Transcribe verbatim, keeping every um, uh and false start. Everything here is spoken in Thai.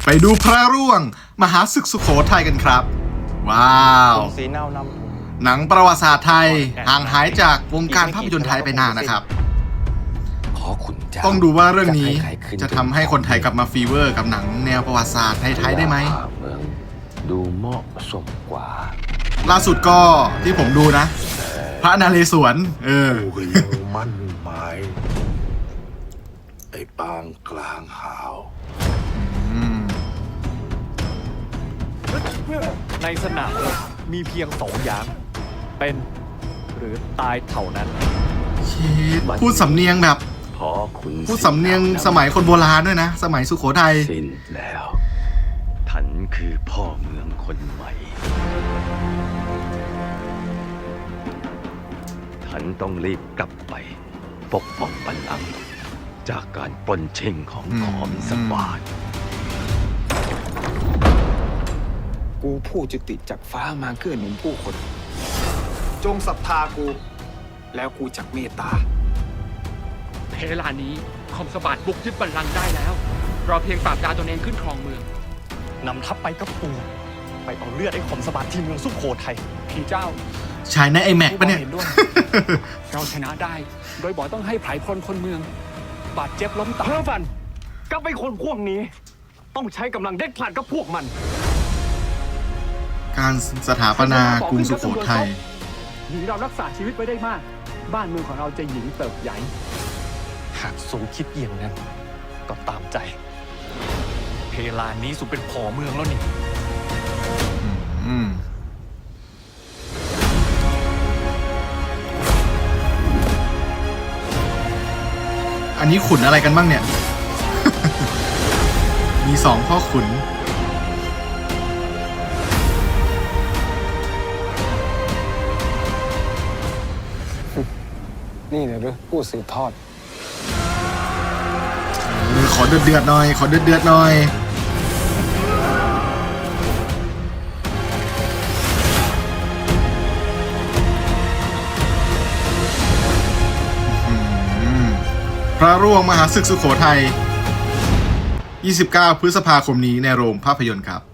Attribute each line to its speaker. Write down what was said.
Speaker 1: ไปดูพระร่วงมหาศึกสุโขทัยกันครับว้าว
Speaker 2: สีเน่านำ
Speaker 1: หนังประวัติศาสตร์ไทยห่างหายจากวงการภาพยนตร์ไทยไปนานนะครับต้องดูว่าเรื่องนี้จะทำให้คนไทยกลับมาฟีเวอร์กับหนังแนวประวัติศาสตร์ไทยๆได้ไหม
Speaker 3: ดูเหมาะสมกว่า
Speaker 1: ล่าสุดก็ที่ผมดูนะพระนเรศวรเออ
Speaker 3: มั่นหมายไอ้ปางกลางหาว
Speaker 4: ในสนามมีเพียงสองอย่างเป็นหรือตายเท่านั้น
Speaker 1: พูดสำเนียงแบบพูดสำเนียงสมัยคนโบราณด้วยนะสมัยสุโขทัย
Speaker 3: สิ้นแล้วท่านคือพ่อเมืองคนใหม่ท่านต้องรีบกลับไปปกป้องบัลลังก์จากการปล้นชิงของขอมสบาน
Speaker 5: กูผู้จุติจากฟ้ามาเกื้อหนุนผู้คนจงศรัทธากูแล้วกูจักเมตตา
Speaker 6: เพลานี้คอมสบาทบุกยึดบัลลังก์ได้แล้วรอเพียงปราบดาตนเองขึ้นครองเมือง
Speaker 4: นำทัพไปกับปูไปเอาเลือดไอ้คอมสบาทที่เมืองสุโขทัย
Speaker 6: พี่เจ้า
Speaker 1: ชายในไอแม็กปะเนี่ย
Speaker 6: เราชนะได้โดยบอกต้องให้ไพรพลคนเมืองบาดเจ็บล้มตาย
Speaker 4: เพื่อฟันกับไอ้คนพวกนี้ต้องใช้กำลังเด็ดขาดกับพวกมัน
Speaker 1: การสถาปนากรุงสุโขทัย
Speaker 6: หญิงเรารักษาชีวิตไว้ได้มากบ้านเมืองของเราจะหญิงเติบใหญ่
Speaker 4: หากทรงคิดเยี่ยงนั้นก็ตามใจเพลานี้สุเป็นผอเมืองแล้วนี่
Speaker 1: อันนี้ขุนอะไรกันบ้างเนี่ย มีสองพ่อขุน
Speaker 5: นี่เลยหรือผู้สืบทอด
Speaker 1: ขอเดือดเดือดหน่อยขอเดือดเดือดหน่อยพระร่วงมหาศึกสุโขทัยยี่สิบเก้าพฤษภาคมนี้ในโรงภาพยนตร์ครับ